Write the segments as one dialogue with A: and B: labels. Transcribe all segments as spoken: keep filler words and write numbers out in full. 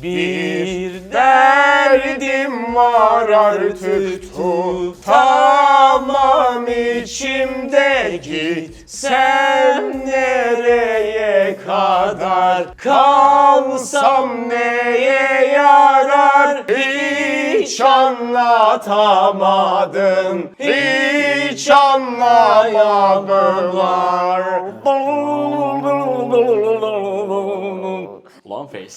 A: Bir derdim var artık tutamam içimde, gitsem nereye kadar, kalsam neye yarar, hiç anlatamadım, hiç anlayamadılar. Ulan face.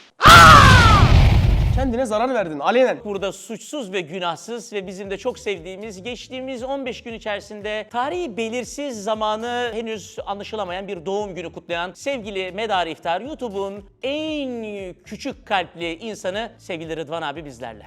B: Kendine zarar verdin alenen.
A: Burada suçsuz ve günahsız ve bizim de çok sevdiğimiz, geçtiğimiz on beş gün içerisinde tarihi belirsiz, zamanı henüz anlaşılamayan bir doğum günü kutlayan sevgili Medar İftar, YouTube'un en küçük kalpli insanı sevgili Rıdvan abi bizlerle.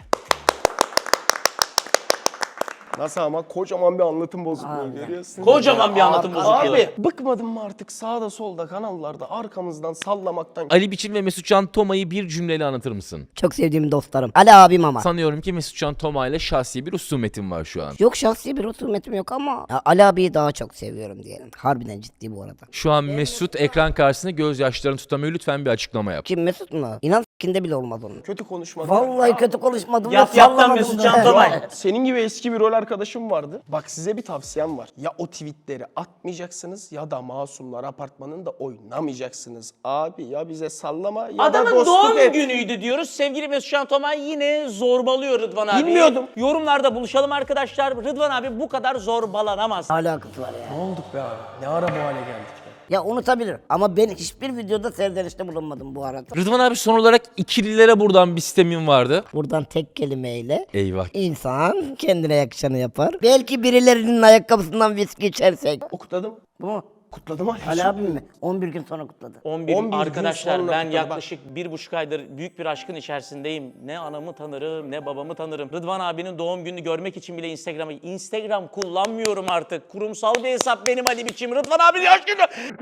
B: Nasıl ama kocaman bir anlatım bozukluğu görüyorsun.
A: Kocaman bir anlatım bozukluğu.
B: Abi bıkmadın mı artık sağda solda kanallarda arkamızdan sallamaktan?
C: Ali Biçim ve Mesutcan Toma'yı bir cümleyle anlatır mısın?
D: Çok sevdiğim dostlarım. Ali abim ama.
C: Sanıyorum ki Mesutcan Toma ile şahsi bir husumetin var şu an.
D: Yok, şahsi bir husumetim yok ama ya Ali abiyi daha çok seviyorum diyelim. Harbiden ciddi bu arada.
C: Şu an Mesut ekran karşısında gözyaşlarını tutamıyor. Lütfen bir açıklama yap.
D: Kim, Mesut mu? İnan s**kinde bile olmaz onun.
B: Kötü konuşmadın.
D: Vallahi kötü konuşmadım.
A: Yap
D: ve
A: yaptan
D: sallamadım
A: Mesut
D: da.
A: Can Tomay.
B: Senin gibi eski bir rol arkadaşım vardı. Bak size bir tavsiyem var. Ya o tweetleri atmayacaksınız ya da Masumlar Apartmanı'nda oynamayacaksınız. Abi ya bize sallama ya da
A: Adamın
B: dostluk
A: doğum
B: et.
A: günüydü diyoruz. Sevgili Mesut Can Tomay yine zorbalıyor Rıdvan abi.
B: Bilmiyordum.
A: Yorumlarda buluşalım arkadaşlar. Rıdvan abi bu kadar zorbalanamaz.
D: Alakası var ya.
B: Ne olduk be abi? Ne ara bu hale geldik be?
D: Ya unutabilir ama ben hiçbir videoda serzenişte bulunmadım bu arada.
C: Rıdvan abi son olarak ikililere buradan bir sistemin vardı.
D: Buradan tek kelimeyle
C: Eyvah.
D: insan kendine yakışanı yapar. Belki birilerinin ayakkabısından viski içersek.
B: O kutladım.
D: Bu mu?
B: Kutladım Ali.
D: Ali abim mi? on bir gün sonra kutladı.
A: on bir,
B: on bir gün
A: arkadaşlar
B: sonra
A: ben
B: kutladı.
A: yaklaşık bir buçuk aydır büyük bir aşkın içerisindeyim. Ne anamı tanırım ne babamı tanırım. Rıdvan abinin doğum gününü görmek için bile Instagram'a... Instagram kullanmıyorum artık. Kurumsal bir hesap benim Ali Biçim. Rıdvan abinin aşkını...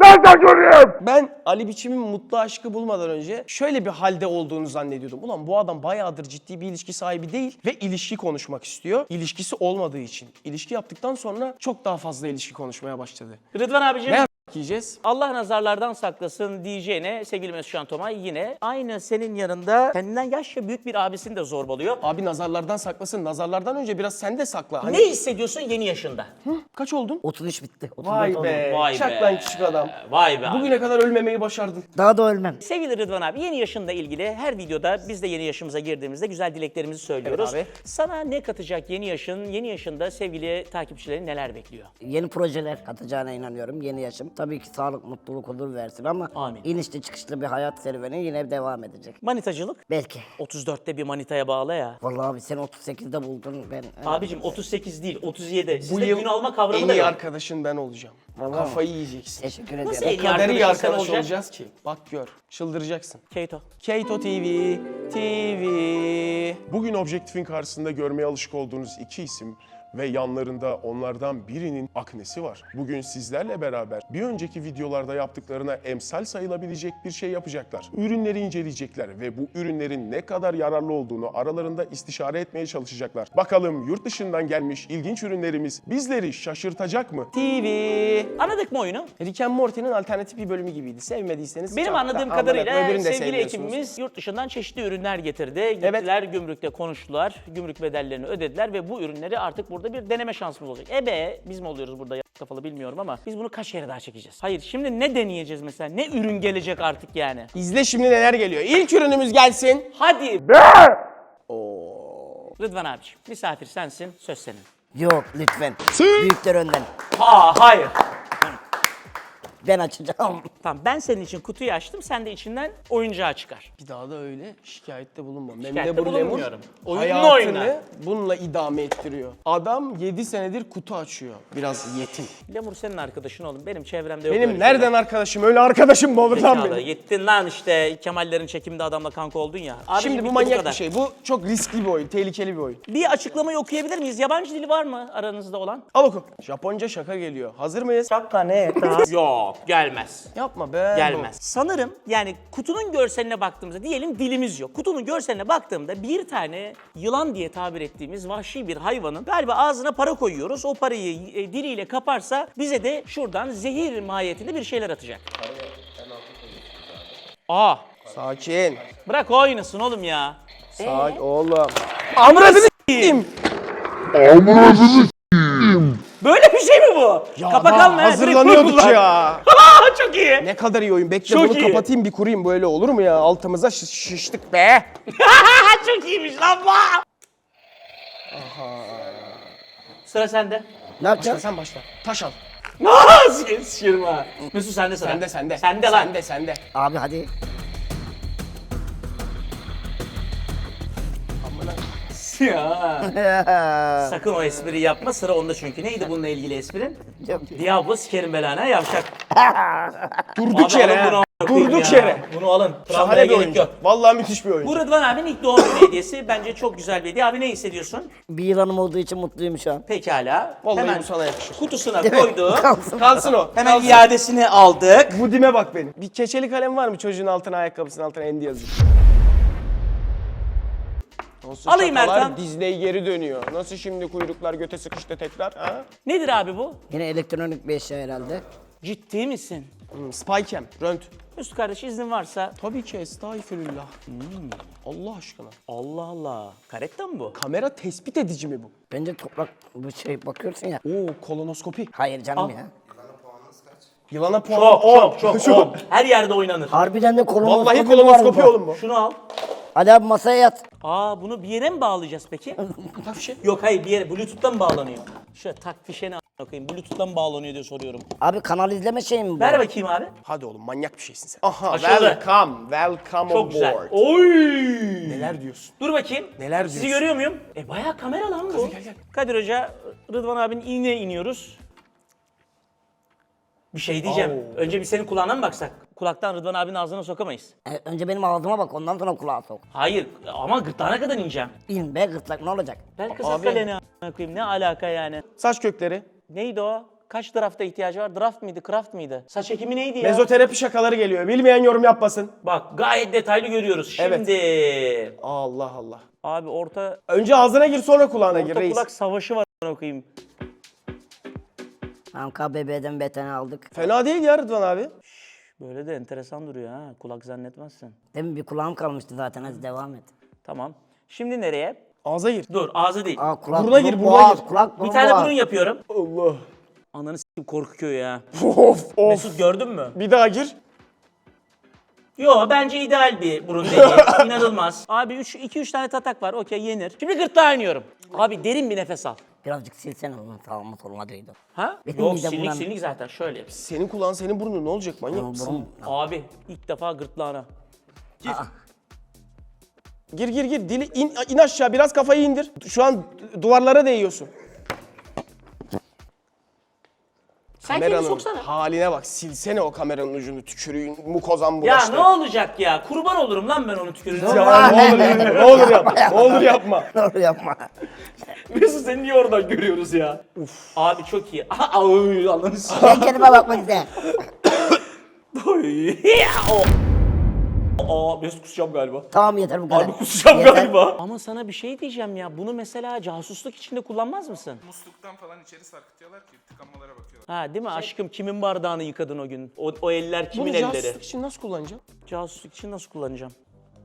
B: Ben Ali Biçim'in mutlu aşkı bulmadan önce şöyle bir halde olduğunu zannediyordum. Ulan bu adam bayağıdır ciddi bir ilişki sahibi değil ve ilişki konuşmak istiyor. İlişkisi olmadığı için. İlişki yaptıktan sonra çok daha fazla ilişki konuşmaya başladı.
A: Rıdvan abicim...
B: Ne yiyeceğiz?
A: Allah nazarlardan saklasın diyeceğine sevgili Mesut Can Tomay yine aynı senin yanında kendinden yaşça büyük bir abisini de zorbalıyor.
B: Abi nazarlardan saklasın. Nazarlardan önce biraz sen de sakla. Hani
A: Ne hissediyorsun yeni yaşında?
B: kaç oldun?
D: otuz üç bitti. otuz dört
B: Vay
D: oldu.
B: be.
A: Vay
B: Çak
A: be.
B: lan küçük adam.
A: Vay be abi.
B: Bugüne kadar ölmemeyi başardın.
D: Daha da ölmem.
A: Sevgili Rıdvan abi yeni yaşınla ilgili her videoda biz de yeni yaşımıza girdiğimizde güzel dileklerimizi söylüyoruz.
B: Evet abi.
A: Sana ne katacak yeni yaşın? Yeni yaşında sevgili takipçilerin neler bekliyor?
D: Yeni projeler katacağına inanıyorum. Yeni yaşım. Tabii ki sağlık, mutluluk, huzur versin ama
A: Amin.
D: inişli çıkışlı bir hayat serüveni yine devam edecek.
A: Manitacılık?
D: Belki.
A: otuz dörtte bir manitaya bağlı ya.
D: Vallahi abi sen otuz sekizde buldun ben.
A: Abicim otuz sekiz değil otuz yedi. Sizde
B: yıl
A: gün alma
B: en
A: kavramı da
B: iyi
A: yok.
B: arkadaşın ben olacağım. Kafayı yiyeceksin.
D: Teşekkür
A: Nasıl
D: ederim.
A: en iyi
B: O kadar iyi
A: arkadaşın sen
B: arkadaş
A: olacak?
B: olacağız ki. Bak gör. Çıldıracaksın.
A: Keito.
B: Keito T V, T V.
E: Bugün objektifin karşısında görmeye alışık olduğunuz iki isim ve yanlarında onlardan birinin aknesi var. Bugün sizlerle beraber bir önceki videolarda yaptıklarına emsal sayılabilecek bir şey yapacaklar. Ürünleri inceleyecekler ve bu ürünlerin ne kadar yararlı olduğunu aralarında istişare etmeye çalışacaklar. Bakalım yurt dışından gelmiş ilginç ürünlerimiz bizleri şaşırtacak mı?
B: T V.
A: Anladık mı oyunu?
B: Rick and Morty'nin alternatif bir bölümü gibiydi. Sevmediyseniz
A: Benim
B: çok da
A: anladığım
B: amına
A: kadarıyla
B: koyayım, öbürünü de
A: sevgili
B: sevmiyorsunuz.
A: ekibimiz yurt dışından çeşitli ürünler getirdi. Gittiler gümrükte konuştular, gümrük bedellerini ödediler ve bu ürünleri artık burada bir deneme şansımız olacak. Ebe biz mi oluyoruz burada ya kafalı bilmiyorum ama biz bunu kaç kere daha çekeceğiz? Hayır şimdi ne deneyeceğiz mesela? Ne ürün gelecek artık yani?
B: İzle şimdi neler geliyor. İlk ürünümüz gelsin.
A: Hadi! Rıdvan abiciğim misafir sensin, söz senin.
D: Yok lütfen. Büyükler önden.
A: Aa hayır.
D: Ben açacağım.
A: Tamam ben senin için kutuyu açtım, sen de içinden oyuncağı çıkar.
B: Bir daha da öyle şikayette bulunma.
A: Şikayette
B: Memle Lemur
A: bulunmuyorum. Oyununu
B: hayatını
A: oyna.
B: bununla idame ettiriyor. Adam yedi senedir kutu açıyor. Biraz yetim.
A: Lemur senin arkadaşın oğlum, benim çevremde yok
B: Benim
A: öyle
B: nereden
A: şeyler.
B: arkadaşım? Öyle arkadaşım mı olur lan
A: Zekalı.
B: benim?
A: Gittin lan işte Kemallerin çekiminde adamla kanka oldun ya. Abicim,
B: Şimdi bu
A: bitti
B: manyak
A: kadar.
B: bir şey. Bu çok riskli bir oyun, tehlikeli bir oyun.
A: Bir açıklamayı okuyabilir miyiz? Yabancı dili var mı aranızda olan?
B: Al oku. Japonca şaka geliyor. Hazır mıyız?
A: Şaka ne? Yok gelmez.
B: Yapma be.
A: Gelmez. Sanırım yani kutunun görseline baktığımızda diyelim dilimiz yok. Kutunun görseline baktığımda bir tane yılan diye tabir ettiğimiz vahşi bir hayvanın galiba ağzına para koyuyoruz. O parayı e, diliyle kaparsa bize de şuradan zehir mahiyetinde bir şeyler atacak. Aa
B: Sakin.
A: Bırak o oynasın oğlum ya.
B: Sakin oğlum. Amradını s**eyim.
A: Böyle bir şey mi bu? Kapak
B: daha
A: alma ya. direkt
B: hazırlanıyorduk
A: koy
B: ya.
A: Aa, çok iyi.
B: Ne kadar iyi oyun. Bekle
A: Çok
B: bunu
A: iyi.
B: kapatayım bir kurayım, böyle olur mu ya? Altımıza şiş- şiştik be.
A: Çok iyiymiş lan bu. Sıra sende.
D: Ne yapacağız?
B: Sen başla. Taş al.
A: Nasıl sıçırım ha. Mesut sende sıra.
B: Sende sende.
A: Sende lan.
B: Sende sende.
D: Abi hadi.
A: Ya. Sakın o espriyi yapma, sıra onda çünkü. Neydi bununla ilgili esprin? Diablo sikerim belana yavşak.
B: Durduk
A: Abi
B: yere.
A: alın bunu
B: ha.
A: a**a koyayım
B: Durduk
A: ya.
B: yere.
A: Bunu alın. Travmaya
B: Şahane bir
A: gerek
B: oyuncu.
A: yok.
B: Vallahi müthiş bir oyuncu.
A: Bu Rıdvan abinin ilk doğum günü hediyesi. Bence çok güzel bir hediye. Abi ne hissediyorsun?
D: Bir yılanım olduğu için mutluyum şu an.
A: Pekala.
B: Vallahi
A: Hemen
B: bu sana yakışır.
A: kutusuna koyduk.
D: Kalsın.
B: Kalsın o.
A: Hemen
B: kalsın.
A: iadesini aldık.
B: Bu dime bak benim. Bir keçeli kalem var mı çocuğun altına, ayakkabısının altına Endi yazıyor. Nasıl
A: Alayım
B: şakalar,
A: Erkan.
B: Disney geri dönüyor. Nasıl şimdi kuyruklar göte sıkıştı tekrar? Ha?
A: Nedir abi bu?
D: Yine elektronik bir eşya herhalde.
A: Ciddi misin?
B: Hmm, Spycam, rönt.
A: Mesut kardeş iznin varsa.
B: Tabii ki, estağfirullah. Allah aşkına.
A: Allah Allah. Karetta mı bu?
B: Kamera tespit edici mi bu?
D: Bence toprak bu şey bakıyorsun ya.
B: Oo, kolonoskopi.
D: Hayır canım
A: Al.
D: ya.
B: Yılana puan.
A: Çok
B: on.
A: çok çok. on. Her yerde oynanır.
D: Harbiden de kolonoskopi
B: Vallahi
D: var
B: kolonoskopi
D: burada.
B: oğlum bu.
A: Şunu al.
D: Ali abi masaya yat.
A: Aa bunu bir yere mi bağlayacağız peki?
B: Tak fişe.
A: Yok hayır bir yere. Bluetooth'tan mı bağlanıyor? Şöyle tak fişeni a**ına koyayım. Bluetooth'tan mı bağlanıyor diye soruyorum.
D: Abi kanal izleme şeyi mi bu?
A: Ver bakayım abi.
B: Hadi oğlum, manyak bir şeysin sen. Aha,
A: Açıldı.
B: welcome, welcome
A: Çok
B: on
A: güzel.
B: board.
A: Oy!
B: Neler diyorsun?
A: Dur bakayım.
B: Neler
A: Sizi
B: diyorsun?
A: görüyor muyum? E bayağı kamera lan bu.
B: gel, gel.
A: Kadir Hoca, Rıdvan abinin iğneye iniyoruz. Bir şey diyeceğim.
B: Oo.
A: Önce bir senin kulağına mı baksak? Kulaktan Rıdvan abinin ağzına sokamayız.
D: E, önce benim ağzıma bak ondan sonra kulağa sok.
A: Hayır ama gırtlağına kadar ineceğim.
D: İn be gırtlak ne olacak?
A: Ver kız
B: Abi.
A: kaleni a**ına koyayım. Ne alaka yani?
B: Saç kökleri.
A: Neydi o? Kaç drafta ihtiyacı var? Draft mıydı, craft mıydı? Saç ekimi neydi ya?
B: Mezoterapi şakaları geliyor. Bilmeyen yorum yapmasın.
A: Bak gayet detaylı görüyoruz.
B: Evet.
A: Şimdi
B: Allah Allah.
A: abi orta
B: Önce ağzına gir, sonra kulağına gir
A: orta
B: reis.
A: kulak savaşı var a**ına koyayım.
D: Tamam K B B'den beteni aldık.
B: Fena değil ya Rıdvan abi.
A: Böyle de enteresan duruyor ha. Kulak zannetmezsin.
D: Demin bir kulağım kalmıştı zaten hadi devam et.
A: Tamam. Şimdi nereye?
B: Ağza gir.
A: Dur ağzı değil.
D: Aa kulak
B: Buruna gir,
D: burun,
B: buruna
D: boğaz,
B: gir.
D: kulak
A: Bir
D: burun,
A: tane
D: boğaz.
A: burun yapıyorum.
B: Allah.
A: Ananı s**tim korkuyor ya.
B: Of of.
A: Mesut gördün mü?
B: Bir daha gir.
A: Yo bence ideal bir burun deliği. İnanılmaz. Abi iki üç tane tatak var. Okey yenir. Şimdi gırtlağa iniyorum. Abi derin bir nefes al.
D: Birazcık silsene onu sağıma soluma değdi.
A: Ha?
D: Benim
A: Yok
D: midem
A: silik
D: bulandı.
A: silik zaten şöyle. yap.
B: Senin kulağın, senin burnun ne olacak, manyak mısın?
D: Burun.
A: Abi ilk defa gırtlağına.
B: Gir gir gir. Dili in, in aşağı, biraz kafayı indir. Şu an duvarlara değiyorsun.
A: Sen kendini
B: Kameranın
A: soksana.
B: haline bak. Silsene o kameranın ucunu, tükürüğün mukozan
A: Ya
B: bulaştı.
A: ne olacak ya? Kurban olurum lan ben onu tükürüğüne.
B: Ya ne olur yapma, ne olur yapma, ne olur yapma.
D: Doğru yapma.
A: Mesut seni niye oradan görüyoruz ya? Uf. Abi çok iyi. Aha, ay, Allah'ını s***.
D: Ben kendime bakmak iste.
A: o. Aa Mesut kusacağım galiba.
D: Tamam yeter bu kadar.
A: Abi kusacağım
D: Yeter.
A: galiba. Ama sana bir şey diyeceğim ya. Bunu mesela casusluk içinde kullanmaz mısın?
F: Musluktan falan içeri sarkıtıyorlar ki tıkanmalara bakıyorlar.
A: Ha değil mi? Aşkım kimin bardağını yıkadın o gün? O, o eller kimin
B: Bunu
A: elleri?
B: casusluk için nasıl kullanacağım?
A: Casusluk için nasıl kullanacağım?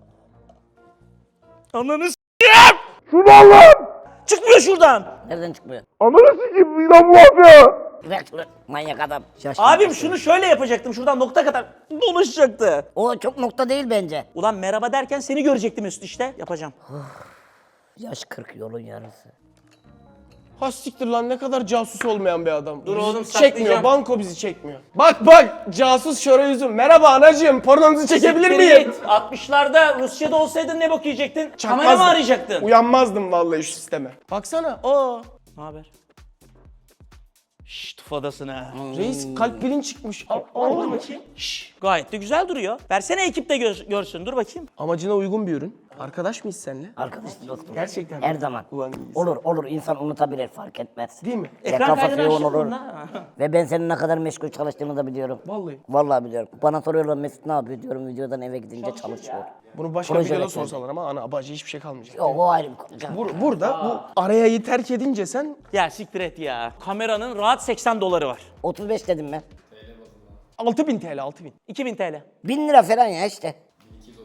A: Ananı s***yim! Şunu Allah'ım! Çıkmıyor şuradan!
D: Nereden çıkmıyor?
B: Ananı sikeyim, İnan bu yapıyor.
D: Bırak bırak. Manyak adam. Şaşkın.
A: Abim şunu şöyle yapacaktım. Şuradan nokta kadar dolaşacaktı.
D: O çok nokta değil bence.
A: Ulan merhaba derken seni görecektim Mesut işte. Yapacağım.
D: Yaş kırk yolun yarısı.
B: Ha siktir lan, ne kadar casus olmayan bir adam.
A: Dur
B: Bizi
A: oğlum,
B: çekmiyor,
A: saklayacağım.
B: banko bizi çekmiyor. Bak bak, casus şöyle yüzüm. Merhaba anacığım, pornonuzu çekebilir
A: Siktir
B: miyim?
A: git. altmışlarda Rusya'da olsaydın ne bok yiyecektin? Kamera
B: Çakmazdım.
A: mı arayacaktın?
B: Uyanmazdım vallahi şu sisteme. Baksana, aa.
A: Ne haber? Şşş tufadasın ha.
B: Reis kalp bilin çıkmış. Al,
A: Dur
B: al.
A: bakayım. Şşş gayet de güzel duruyor. Versene ekip de gör- görsün. Dur bakayım.
B: Amacına uygun bir ürün. Arkadaş mıyız seninle?
D: Arkadaş dostum.
B: Gerçekten.
D: Her zaman.
B: Ulan iyisin.
D: Olur olur insan unutabilir fark etmez.
B: Değil mi?
D: Ve
A: Ekran
D: kafası
A: kaydını
D: yoğun
A: açtın
D: olur.
A: mı lan?
D: Ve ben senin ne kadar meşgul çalıştığını da biliyorum.
B: Vallahi.
D: Vallahi biliyorum. Bana soruyorlar Mesut ne yapıyor diyorum videodan eve gidince çalışıyor.
B: Bunu başka
D: Proje
B: videoda
D: yönetmeni.
B: sorsalar ama ana abacı hiçbir şey kalmayacak.
D: Yok o ayrı bir konu. canım.
B: Bur- burada bu arayayı terk edince sen
A: Ya siktir et ya. Kameranın rahat seksen doları var.
D: otuz beş dedim ben.
B: altı bin T L, altı bin.
A: iki bin T L.
D: bin lira falan ya işte.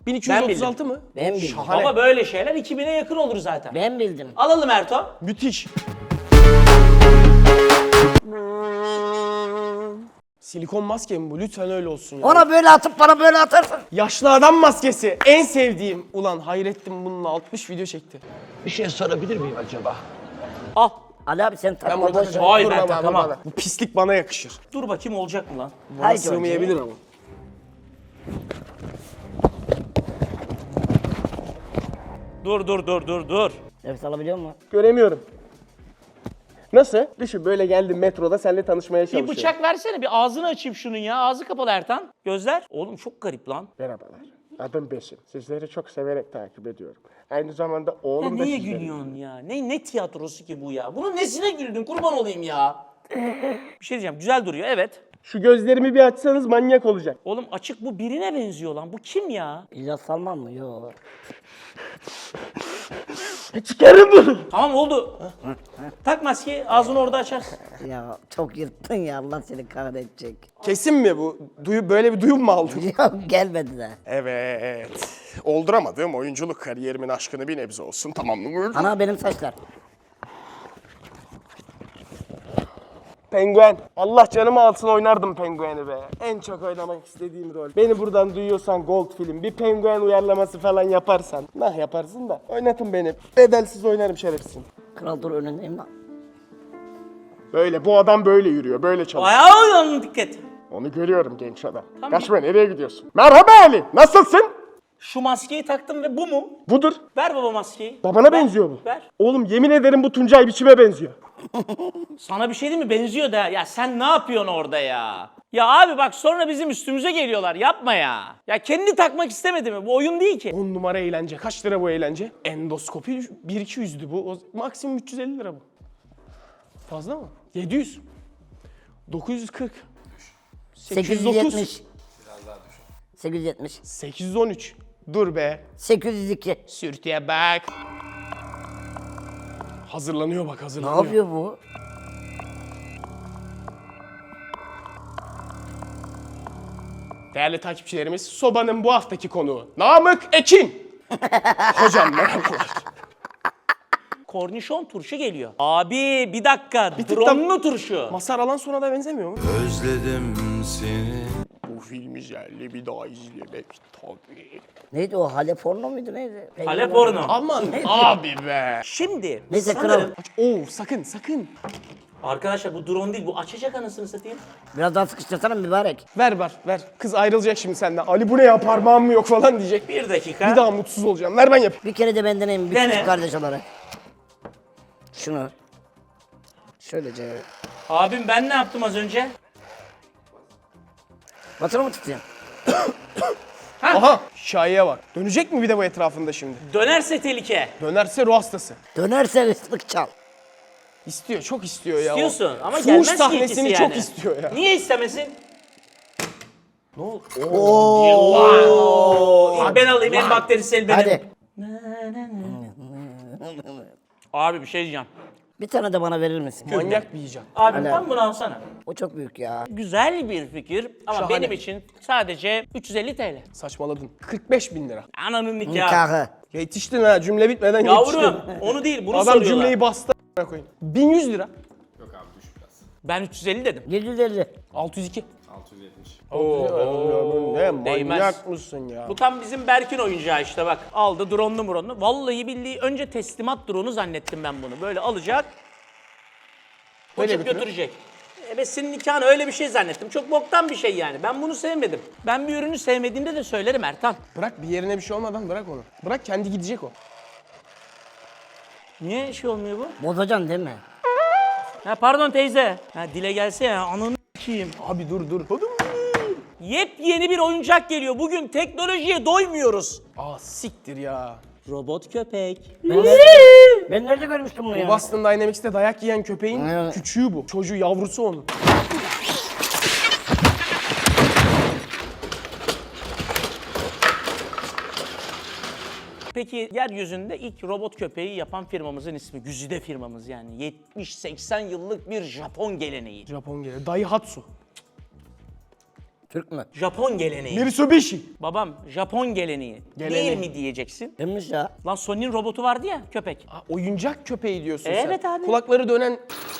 B: bin iki yüz otuz altı
A: Ben
B: mı?
D: Ben bildim.
B: Şahane.
A: Ama böyle şeyler iki bine yakın olur zaten.
D: Ben bildim.
A: Alalım Erto.
B: Müthiş. Silikon maske mi bu? Lütfen öyle olsun ya.
D: Ona böyle atıp bana böyle atarsın.
B: Yaşlı adam maskesi. En sevdiğim. Ulan Hayrettin bununla altmış video çekti.
A: Al.
D: Ali abi sen
B: Ben
D: takma
B: bunu
D: boş ver.
B: takacağım.
A: Hayır,
B: Dur
A: ben
B: baba,
A: takamam.
B: baba. Bu pislik bana yakışır.
A: Dur bakayım olacak mı lan?
B: Bana
D: Haydi
B: sığmayabilir ama.
A: Dur dur dur dur dur.
D: Nefes alabiliyor musun?
B: Göremiyorum. Nasıl? Düşün böyle geldim metroda seninle tanışmaya
A: Bir
B: çalışıyorum.
A: bıçak versene, bir ağzını açayım şunun ya. Ağzı kapalı Ertan. Gözler. Oğlum çok garip lan.
G: Merhabalar. Adım Besim. Sizleri çok severek takip ediyorum. Aynı zamanda
A: Ya
G: oğlum da
A: neye
G: sizleri...
A: gülüyorsun ya? Ne ne tiyatrosu ki bu ya? Bunun nesine güldün? Kurban olayım ya. Bir şey diyeceğim. Güzel duruyor, evet.
B: Şu gözlerimi bir açsanız manyak olacak.
A: Oğlum açık, bu birine benziyor lan. Bu kim ya?
D: İlyas Salman mı? Yok.
B: Çıkarın bunu.
A: Tamam oldu. Tak maskeyi, ağzını orada açarsın.
D: Ya çok yırttın ya, Allah seni kahredecek.
B: Kesin mi bu? Duyu, böyle bir duyum mu aldın?
D: Yok gelmedi de.
E: Evet. Olduramadığım oyunculuk kariyerimin aşkını bir nebze olsun tamamladım.
D: Ana benim saçlar.
B: Penguen. Allah canımı alsın oynardım pengueni be. En çok oynamak istediğim rol. Beni buradan duyuyorsan Gold film bir penguen uyarlaması falan yaparsan. Nah yaparsın da oynatın beni. Bedelsiz oynarım şerefsin.
D: Kral dur önündeyim lan.
E: Böyle bu adam böyle yürüyor, böyle çalışıyor.
A: Ayağa dikkat.
E: Onu görüyorum genç adam. Kaçma nereye gidiyorsun? Merhaba Ali, nasılsın?
A: Şu maskeyi taktım ve bu mu?
E: Budur.
A: Ver baba maskeyi.
E: Babana benziyor bu.
A: Ver.
E: Oğlum yemin ederim bu Tuncay biçime benziyor.
A: Sana bir şey değil mi? Benziyor da. Ya sen ne yapıyorsun orada ya? Ya abi bak sonra bizim üstümüze geliyorlar. Yapma ya. Ya kendi takmak istemedi mi? Bu oyun değil ki.
B: on numara eğlence. Kaç lira bu eğlence? Endoskopi bin iki yüzdü bu. O, maksimum üç yüz elli lira bu. Fazla mı? yedi yüz. dokuz yüz kırk.
D: sekiz yüz yetmiş. sekiz yüz yetmiş.
B: sekiz yüz on üç. Dur be.
D: sekiz yüz iki.
B: Sürtüye bak. Hazırlanıyor bak
D: Ne
B: hazırlanıyor.
D: yapıyor bu?
B: Değerli takipçilerimiz, Soba'nın bu haftaki konuğu Namık Ekin. Hocam merhabalar.
A: Kornişon turşu geliyor. Abi bir dakika.
B: tık da-
A: Dronlu turşu.
B: Masar Alan sonra da benzemiyor mu?
H: Özledim seni.
E: Bu filmi jelli bir daha izlemek tabii.
D: Neydi o? Halep porno muydu neydi?
A: Halep porno.
B: Aman abi be.
A: Şimdi
D: Neyse
A: sanırım...
D: kral.
B: Oo sakın sakın.
A: Arkadaşlar bu drone değil, bu açacak anasını satayım.
D: Biraz daha sıkıştırsana mübarek.
B: Ver ver ver. Kız ayrılacak şimdi senden. Ali bu ne ya parmağım mı yok falan diyecek.
A: Bir dakika.
B: Bir daha mutsuz olacağım. Ver ben yapayım.
D: Bir kere de ben deneyim bir
A: Dene.
D: küçük kardeş olarak. Şunu. Şöylece.
A: Abim ben ne yaptım az önce?
D: Batırı mı tutayım?
B: Aha şahiye bak. Dönecek mi bir de bu etrafında şimdi?
A: Dönerse tehlike.
B: Dönerse ruh hastası.
D: Dönerse ıslık çal.
B: İstiyor, çok istiyor ya. o.
A: Diyorsun ama
B: Fuhuş
A: gelmez ki
B: sahnesini
A: ikisi yani.
B: çok istiyor ya.
A: Niye istemesin? Ne oldu? Oo. İlk ben alayım, en bakterisel benim.
D: Hadi.
A: Abi bir şey diyeceğim.
D: Bir tane de bana verir misin?
B: Manyak bir icat.
A: Abi
D: Hala.
A: tam bunu alsana.
D: O çok büyük ya.
A: Güzel bir fikir ama
B: Şahane.
A: benim için sadece üç yüz elli TL.
B: Saçmaladın. kırk beş bin lira.
A: Ananın nikahı.
D: Nikahı.
B: Yetiştin ha cümle bitmeden
A: Yavrum
B: yetiştin.
A: onu değil bunu
B: Adam
A: soruyorlar.
B: cümleyi bastı a**ına koyayım. bin yüz lira.
A: Ben üç yüz elli dedim.
D: yedi yüz elli.
B: altı yüz iki.
A: Oo,
B: Ne
A: değmez.
B: manyak mısın ya?
A: Bu tam bizim Berk'in oyuncağı işte bak. Aldı drone'lu muronlu. Vallahi billahi önce teslimat drone'u zannettim ben bunu. Böyle alacak.
B: Böyle
A: Koçup
B: götürüyor.
A: götürecek. Evet senin nikahın öyle bir şey zannettim. Çok boktan bir şey yani. Ben bunu sevmedim. Ben bir ürünü sevmediğimde de söylerim Ertan.
B: Bırak bir yerine bir şey olmadan bırak onu. Bırak kendi gidecek o.
A: Niye şey olmuyor bu?
D: Bozacaksın değil mi?
A: Ha pardon teyze. Ha dile gelse ya ananı s**eyim.
B: Abi dur dur.
A: Yepyeni bir oyuncak geliyor. Bugün teknolojiye doymuyoruz.
B: Aa siktir ya.
A: Robot köpek.
D: Ben nerede, ben nerede görmüştüm bunu ya?
B: Boston Dynamics'te dayak yiyen köpeğin
D: Evet.
B: küçüğü bu. Çocuğu yavrusu onun.
A: Peki yeryüzünde ilk robot köpeği yapan firmamızın ismi. Güzide firmamız yani. yetmiş seksen yıllık bir Japon geleneği.
B: Japon geliyor. Daihatsu.
D: Türk mü?
A: Japon geleneği.
B: Mitsubishi.
A: Babam Japon geleneği.
B: Geleneği.
A: Değil mi diyeceksin?
D: Demiş ya.
A: Lan Sony'nin robotu vardı ya köpek.
B: Ha, oyuncak köpeği diyorsun sen.
A: Evet abi.
B: Kulakları dönen...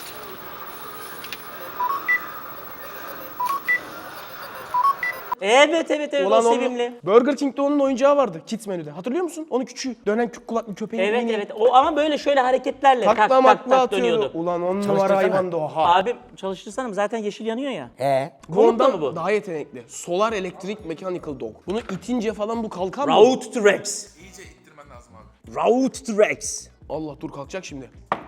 A: Evet evet evet
B: Ulan
A: o
B: onun-
A: sevimli.
B: Burger King'de onun oyuncağı vardı kids menüde. Hatırlıyor musun? Onun küçüğü. Dönen kü- kulaklı köpeğin.
A: Evet
B: mini.
A: evet o ama böyle şöyle hareketlerle tak
B: Takla
A: tak
B: makla
A: tak
B: atıyordu.
A: dönüyordu.
B: Ulan on numara
D: Çalıştırsana.
B: hayvandı o. Ha.
A: Abim çalıştırsana zaten yeşil yanıyor ya.
D: He.
B: Bu
A: Konutla
B: ondan
A: mı bu?
B: daha yetenekli. Solar Electric Mechanical Dog. Bunu itince falan bu kalkar mı?
A: Route to Rex.
F: İyice ittirmen lazım abi.
A: Route to Rex.
B: Allah dur kalkacak şimdi.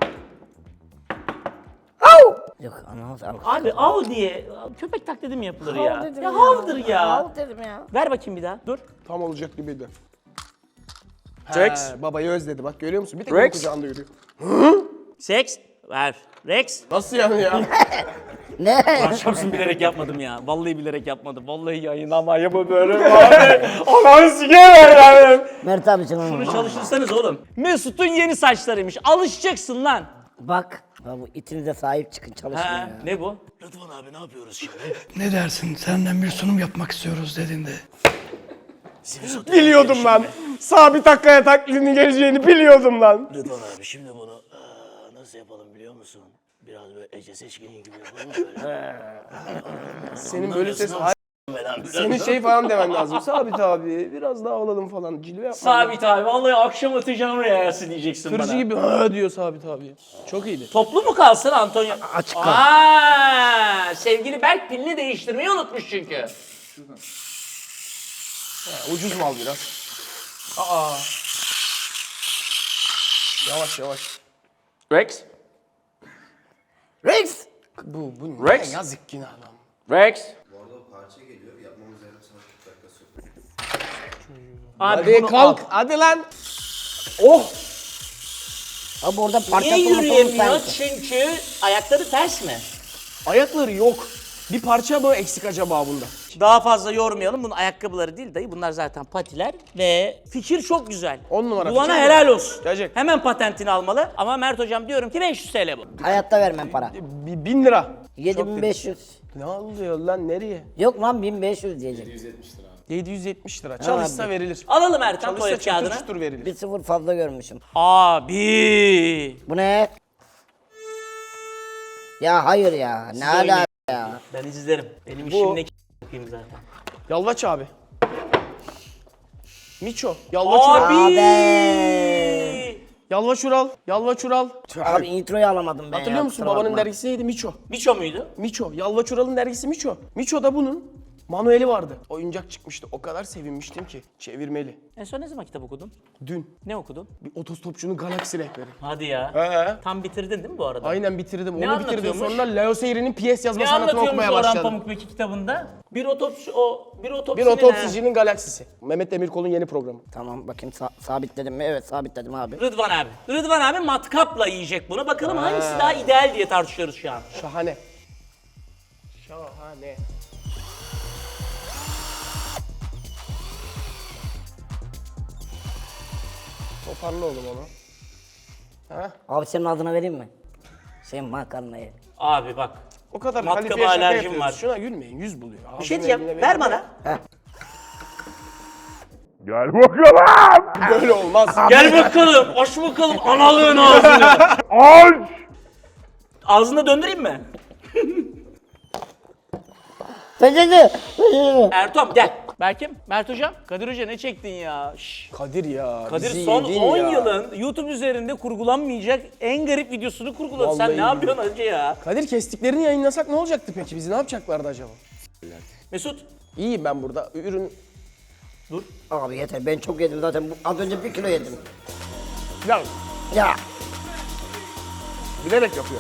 D: Yok anam sağ ol.
A: Abi av diye köpek taklidi mi yapılır ya?
D: dedim
A: Ya
D: ya.
A: havdır ya.
D: Hav dedim ya.
A: Ver bakayım bir daha. Dur.
B: Tam olacak gibiydi.
A: Rex.
B: He, babayı özledi bak görüyor musun? Bir tek
A: Rex.
B: onun kucağında yürüyor.
A: Seks. Ver. Rex.
B: Nasıl yani ya?
D: Ne?
A: Lan şapsın bilerek yapmadım ya. Vallahi bilerek yapmadım. Vallahi yayınlama yapı böyle abi. Aman siker yani.
D: Mert abi sen
A: Bunu
D: onu.
A: çalıştırsanız oğlum. Mesut'un yeni saçlarıymış. Alışacaksın lan.
D: Bak. Ya bu itinize sahip çıkın çalışın
A: Ha,
D: ya.
A: ne bu? Rıdvan abi ne yapıyoruz şimdi?
I: Ne dersin? Senden bir sunum yapmak istiyoruz dediğinde.
B: Biliyordum lan. Sabit Akkaya taklidinin geleceğini biliyordum lan.
J: Rıdvan abi şimdi bunu eee, nasıl yapalım biliyor musun? Biraz böyle Ece Seçkin'in gibi yapalım mı böyle?
B: Senin böyle ses...
J: Anlamıyorsun
B: Hayır, senin şey falan demen lazım. Sabit abi biraz daha alalım falan. Cilve yapma.
A: Sabit abi vallahi akşam atacağım reyası diyeceksin
B: Kırıcı
A: bana.
B: gibi ha diyor Sabit abi. Çok iyiydi.
A: Toplu mu kalsın Antonio?
D: Açık kal.
A: Aa, sevgili Berk pilini değiştirmeyi unutmuş çünkü.
B: Ha, ucuz mal biraz. Aa. Yavaş yavaş.
A: Rex.
D: Rex.
B: Bu bu ne
A: Rex.
B: yazık günah lan.
A: Rex. Abi
B: Hadi
A: bunu
B: kalk
A: al.
B: hadi lan. Oh.
D: Abi orada parça
A: Niye
D: sorunu
A: yürüyemiyor?
D: sanki.
A: Çünkü ayakları ters mi?
B: Ayakları yok. Bir parça mı eksik acaba bunda?
A: Daha fazla yormayalım. Bunun ayakkabıları değil dayı. Bunlar zaten patiler ve fikir çok güzel.
B: On numara
A: Duana
B: fikir.
A: helal olsun.
B: Gerçek.
A: Hemen patentini almalı. Ama Mert hocam diyorum ki beş yüz T L bu.
D: Hayatta vermem para.
B: Bir bin lira.
D: yedi bin beş yüz.
B: Ne oluyor lan nereye?
D: Yok lan bin beş yüz diyecek.
B: yedi yüz yetmiş lira. Çalışsa
D: abi.
B: verilir.
A: Alalım Ertan
B: Çalışsa
A: tuvalet
B: çatır
A: kağıdını.
B: çutur verilir.
D: Bir sıfır fazla görmüşüm.
A: Abi.
D: Bu ne? Ya hayır ya. Ne ala ya.
A: Ben izlerim. Benim işim ne k- yapayım zaten.
B: Yalvaç abi. Miço. Yalvaç Ural.
A: Abi.
B: Yalvaç Ural. Yalvaç Ural.
D: Abi introyu alamadım ben
B: Hatırlıyor
D: ya,
B: musun
D: kusura
B: babanın
D: bakma.
B: dergisi neydi? Miço.
A: Miço muydu?
B: Miço. Yalvaç Ural'ın dergisi Miço. Miço da bunun manueli vardı. Oyuncak çıkmıştı. O kadar sevinmiştim ki. Çevirmeli.
A: En son ne zaman kitap okudun?
B: Dün
A: Ne okudun?
B: bir otostopçunun galaksi rehberi.
A: Hadi ya.
B: He.
A: Tam bitirdin değil mi bu arada?
B: Aynen bitirdim.
A: Ne
B: Onu bitirdim.
A: anlatıyormuş?
B: Sonra Leo Seyri'nin piyes yazma
A: Ne
B: sanatını
A: anlatıyormuş
B: okumaya
A: Orhan
B: başladım.
A: Pamukbeki kitabında? Bir otopsi o bir
B: Bir
A: otopsinin
B: otopsicinin galaksisi. Mehmet Demirkol'un yeni programı.
D: Tamam bakayım sa- sabitledim mi? Evet sabitledim abi.
A: Rıdvan abi. Rıdvan abi matkapla yiyecek bunu. Bakalım hangisi daha ideal diye tartışıyoruz şu an.
B: Şahane. Şahane. Toparla oğlum onu. Ha?
D: Abi senin adına vereyim mi? Şey makarnayı.
A: Abi bak.
B: O kadar
A: Matkaba
B: kalifiye şaka
A: alerjim
B: yapıyoruz.
A: var.
B: Şuna gülmeyin. Yüz buluyor.
A: Bir şey diyeceğim. Ver bana.
E: Gel bakalım.
B: Böyle olmaz.
A: Gel bakalım. Aç bakalım analığın ağzını.
E: Aç.
A: Ağzında döndüreyim mi?
D: Peçete! Peçete!
A: Ertom gel. Berkim, Mert hocam. Kadir hoca ne çektin ya? Şşş.
B: Kadir ya.
A: Kadir
B: bizi
A: son
B: yedin
A: on
B: ya.
A: yılın YouTube üzerinde kurgulanmayacak en garip videosunu kurguladı. Sen
B: Vallahi
A: ne yapıyorsun hacı ya?
B: Kadir kestiklerini yayınlasak ne olacaktı peki? Bizi ne yapacaklardı acaba?
A: Mesut.
B: İyiyim ben burada. Ürün...
D: Abi yeter ben çok yedim zaten. Bu- Az önce bir kilo yedim.
B: Ya
D: Ya.
B: bilerek yapıyor.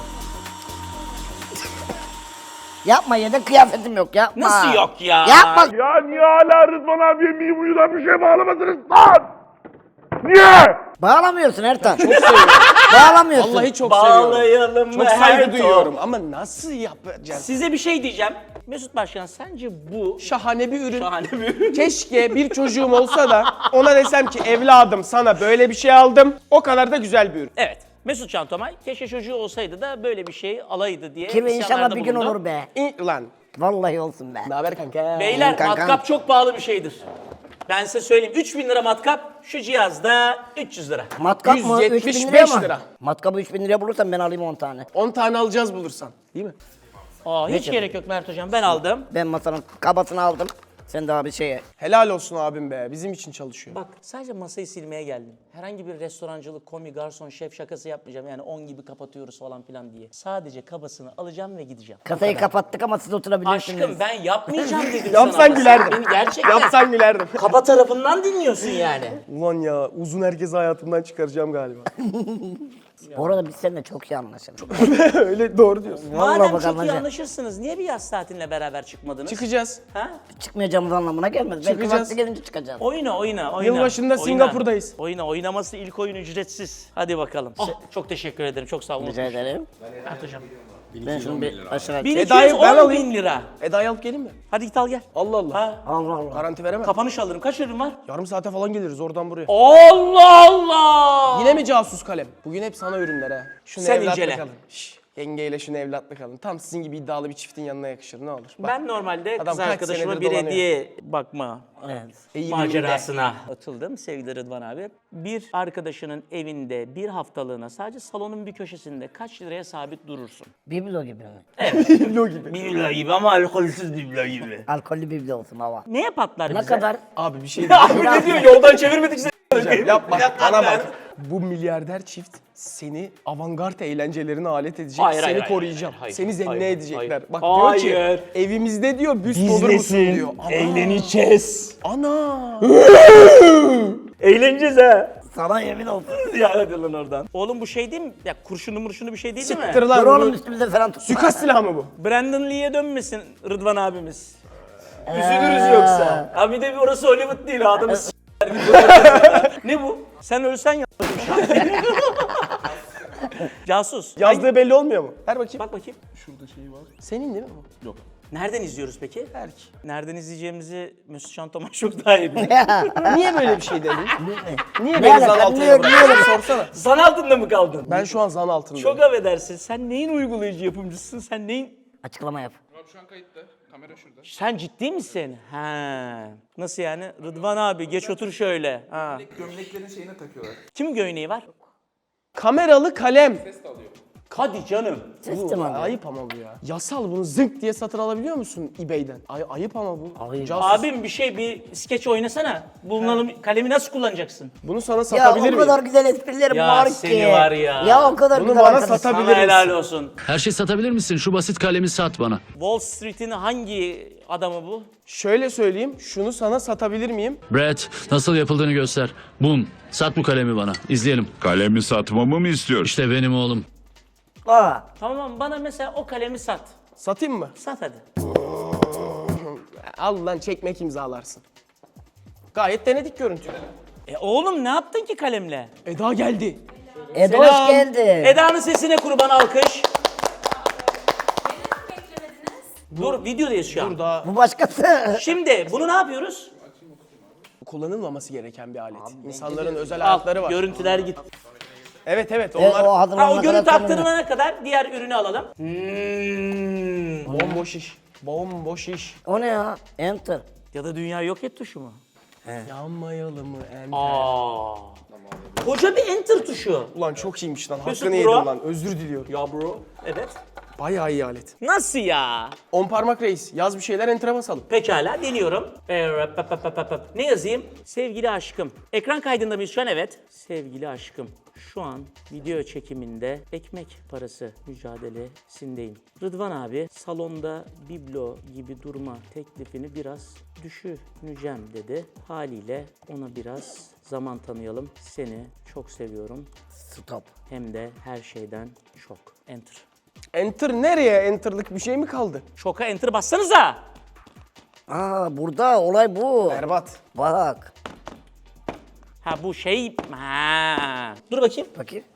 D: Yapma yedin kıyafetim yok yapma.
A: Nasıl yok ya?
D: Yapma.
E: Ya niye hala Rıdvan abiye miyim bir şey bağlamadınız lan? Niye?
D: Bağlamıyorsun Ertan. Çok seviyorum. Bağlamıyorsun.
B: Vallahi çok seviyorum.
A: Bağlayalım
B: Çok
A: mı
B: saygı
A: Ertom?
B: duyuyorum ama nasıl yapacağız?
A: Size bir şey diyeceğim. Mesut Başkan sence bu
B: Şahane bir ürün.
A: şahane bir ürün.
B: Keşke bir çocuğum olsa da ona desem ki evladım sana böyle bir şey aldım. O kadar da güzel bir ürün.
A: Evet. Mesut Can Tomay keşke çocuğu olsaydı da böyle bir şey alaydı diye
D: Kimi inşallah
A: isyanlarda
D: bir gün
A: bulundu.
D: olur be.
B: İn, lan
D: Vallahi olsun be.
B: Ne haber kanka?
A: Beyler
D: kankam.
A: matkap çok pahalı bir şeydir. Ben size söyleyeyim. üç bin lira matkap, şu cihazda üç yüz lira.
D: Matkap mı?
B: yüz
D: üç bin
B: yetmiş
D: liraya
B: beş
D: mı?
B: lira.
D: Matkabı üç bin liraya bulursan ben alayım on tane.
B: on tane alacağız bulursan. Değil mi?
A: Aa, hiç gerek yok Mert Hocam, ben aldım.
D: Ben masanın kabasını aldım. Sen daha bir şeye.
B: Helal olsun abim be. Bizim için çalışıyor.
A: Bak sadece masayı silmeye geldim. Herhangi bir restorancılık, komi, garson, şef şakası yapmayacağım. Yani on gibi kapatıyoruz falan filan diye. Sadece kabasını alacağım ve gideceğim.
D: Kasayı kapattık ama siz oturabilirsiniz.
A: Aşkım ben yapmayacağım dedim sana.
B: Yapsan
A: ama
B: gülerdim.
A: sen beni gerçekten
B: Yapsan gülerdim.
A: kaba tarafından dinliyorsun yani.
B: Ulan ya uzun herkesi hayatımdan çıkaracağım galiba.
D: Bu arada biz seninle çok iyi anlaşırız.
B: Öyle doğru diyorsun.
D: Vallahi
A: Madem
D: bak
A: çok iyi
D: anlayacağım.
A: anlaşırsınız, niye bir yaz tatiline beraber çıkmadınız?
B: Çıkacağız.
A: Ha?
D: Çıkmayacağımız anlamına gelmez. Belki
B: Çıkacağız.
D: vakti gelince çıkacağız.
A: Oyna oyna oyna.
B: Yılbaşında
A: Oyna.
B: Singapur'dayız.
A: Oyna oynaması ilk oyun ücretsiz. Hadi bakalım. Ah, çok teşekkür ederim. Çok sağ olun.
D: Rica ederim.
A: Mert Hocam.
D: Ben şunu bir aşağı
A: bin iki yüz
B: Eda'yı ben
A: on
B: alayım.
A: bin lira.
B: Eda'yı alıp gelin mi?
A: Hadi git al gel.
B: Allah Allah.
A: Ha.
D: Allah Allah.
B: Garanti veremem.
A: Kapanış alırım. Kaç ürün var?
B: Yarım saate falan geliriz oradan buraya.
A: Allah Allah!
B: Yine mi casus kalem? Bugün hep sana ürünler ha. Şunu
A: Sen
B: evlatlık
A: incele.
B: alın. Şş, yengeyle şunu evlatlık alın. Tam sizin gibi iddialı bir çiftin yanına yakışır ne olur. Bak,
A: Ben normalde
B: Adam
A: kız
B: kaç
A: arkadaşıma
B: senedir
A: bir
B: dolanıyor.
A: hediye bakma
D: Evet.
B: eğiliminde.
A: macerasına atıldım sevgili Rıdvan abi. Bir arkadaşının evinde bir haftalığına sadece salonun bir köşesinde kaç liraya sabit durursun?
D: Biblo gibi mi?
B: Biblo gibi.
A: Biblo gibi ama alkolsüz biblo gibi.
D: Alkollü biblo olsun hava.
A: Neye patlar
D: Ne
A: bize?
D: kadar?
B: Abi bir şey
A: Abi ne diyor? Yoldan çevirmedik seni.
B: diyeceğim. Yapma. Bana bak. Bu milyarder çift seni avantgard eğlencelerine alet edecek.
A: Hayır,
B: seni
A: hayır, hayır,
B: koruyacağım.
A: hayır, hayır,
B: seni zenne
A: hayır,
B: edecekler.
A: hayır.
B: Bak
A: Hayır.
B: diyor ki evimizde diyor büst olur musun diyor. Ana.
A: Eğleneceğiz.
B: Ana.
A: Eğleneceğiz ha.
D: Sana yemin olsun.
A: Ya hadi lan oradan. Oğlum bu şey değil mi? Ya kurşunlu murşunlu bir şey değil, değil mi?
B: Siktir lan.
D: Dur oğlum
B: bu
D: üstümüze falan tutma.
B: Suikast silahı mı bu?
A: Brandon Lee'ye dönmesin Rıdvan abimiz. Üzülürüz yoksa. Ha bir de bir orası Hollywood değil, adamı s**ler gibi. Ne bu? Sen ölsen yapmadım şu an. Casus.
B: Yazdığı belli olmuyor mu? Ver bakayım.
A: Bak bakayım.
B: Senin değil mi bu? Yok.
A: Nereden izliyoruz peki?
B: Berk.
A: Nereden izleyeceğimizi Mesut Şantoman çok daha iyi bilir.
B: Niye böyle bir şey dedin? Niye
D: Ne
B: beni
D: alaka?
B: zan altında
D: Niye-
B: bıraktın?
D: niye-
B: Sorsana.
A: Zan altında mı kaldın?
B: Ben şu an zan altındayım.
A: Çok affedersin. Sen neyin uygulayıcı yapımcısın? Sen neyin...
D: Açıklama yap.
F: Abi şu an kayıtta. Kamera şurada.
A: Sen ciddi misin? Ha. Nasıl yani? Rıdvan abi geç otur şöyle. Ha.
F: Gömleklerin şeyine takıyorlar.
A: Kimin göğneği var?
B: Kameralı kalem.
A: Hadi canım.
D: Sistem abi.
B: Ayıp ama bu ya. Yasal bunu zınk diye satın alabiliyor musun eBay'den? Ay, ayıp ama bu.
D: Ayıp.
B: Casus.
A: Abim bir şey bir skeç oynasana. Bulunan kalemi nasıl kullanacaksın?
B: Bunu sana
D: Ya
B: satabilir
D: o
B: miyim?
D: kadar güzel esprilerim
A: Ya
D: var
A: seni
D: ki.
A: var ya.
D: Ya o kadar
B: Bunu
D: güzel
B: bana
D: arkadaş.
B: satabilir
A: Sana helal
B: misin?
A: olsun.
H: Her şey satabilir misin? Şu basit kalemi sat bana.
A: Wall Street'in hangi adamı bu?
B: Şöyle söyleyeyim, şunu sana satabilir miyim?
H: Brett, nasıl yapıldığını göster. Bum, sat bu kalemi bana. İzleyelim.
K: Kalemi satmamı mı istiyorsun?
H: İşte benim oğlum.
D: Aa,
A: Tamam, bana mesela o kalemi sat.
B: Satayım mı?
A: Sat hadi.
B: Al lan çekmek imzalarsın. Gayet denedik görüntü.
A: E oğlum ne yaptın ki kalemle?
B: Eda geldi.
D: Edo
B: Selam.
D: hoş geldi.
A: Eda'nın sesine kurban alkış. Dur videodayız şu an.
B: Dur daha
D: Bu başkası.
A: Şimdi bunu ne yapıyoruz?
B: kullanılmaması gereken bir alet. İnsanların özel
A: Al,
B: hayatları var.
A: görüntüler git.
B: Evet evet
D: E,
B: onlar
D: o
A: Ha,
D: hazırlanana
A: o görüntü
D: kadar
A: aktarılana kadar diğer ürünü alalım. Hmm.
B: bomboş iş. Bomboş iş.
D: O ne ya? Enter.
A: Ya da dünya yok et tuşu mu?
B: Yanmayalım mı em?
A: Aa. Koca bir enter tuşu.
B: Ulan çok iyiymiş lan.
A: Mesut
B: Hakkını
A: bro.
B: yedim lan. Özür diliyorum.
A: Ya bro. Evet.
B: Bayağı iyi alet.
A: Nasıl ya?
B: On parmak reis. Yaz bir şeyler enter'a basalım.
A: Pekala deniyorum. Ee, rap, pap, pap, pap, pap. Ne yazayım? Sevgili aşkım. Ekran kaydında mıyız şu an? Evet. Sevgili aşkım. Şu an video çekiminde ekmek parası mücadelesindeyim. Rıdvan abi salonda biblo gibi durma teklifini biraz düşüneceğim dedi. Haliyle ona biraz zaman tanıyalım. Seni çok seviyorum.
D: Stop.
A: Hem de her şeyden çok. Enter.
B: Enter nereye? Enter'lık bir şey mi kaldı?
A: Şoka enter bassanıza.
D: Aa burada olay bu.
B: Berbat.
D: Bak.
A: Ha bu şey... Ha. Dur bakayım.
D: Bakayım.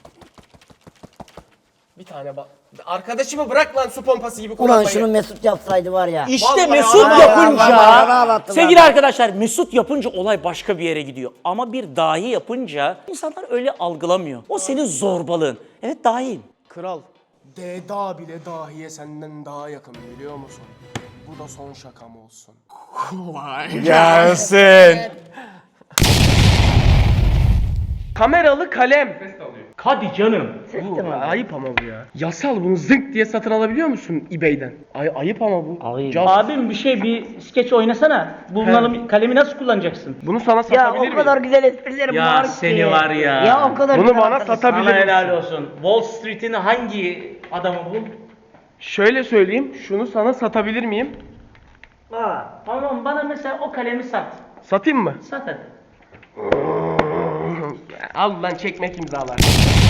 B: Bir tane bak. Arkadaşımı bırak lan su pompası gibi
D: Ulan
B: kullanmayı.
D: şunu Mesut yapsaydı var ya.
A: İşte
B: Vallahi
A: Mesut
B: Allah
A: yapınca,
D: Allah Allah Allah Allah.
A: sevgili arkadaşlar Mesut yapınca olay başka bir yere gidiyor. Ama bir dahi yapınca insanlar öyle algılamıyor. O senin zorbalığın. Evet dahiyim.
B: Kral. Deda bile dahiye senden daha yakın biliyor musun? Bu da son şakam olsun. Gelsin. Kameralı kalem. Hadi canım. Bu ayıp ama bu ya. Yasal, bunu zınk diye satın alabiliyor musun eBay'den? Ay ayıp ama bu. Just-
A: Abim bir şey bir skeç oynasana. Bulunan kalemi nasıl kullanacaksın?
B: Bunu sana
D: Ya
B: satabilir
D: o
B: miyim?
D: kadar güzel esprilerim
A: Ya
D: var ki.
A: seni var ya.
D: Ya o kadar
B: Bunu
D: güzel
B: bana
D: arkadaşım.
B: satabilir
A: Sana
B: misin?
A: helal olsun. Wall Street'in hangi adamı bu?
B: Şöyle söyleyeyim, şunu sana satabilir miyim?
A: Aa, tamam bana mesela o kalemi sat.
B: Satayım mı?
A: Sat hadi.
B: Al lan çekmek imzalar.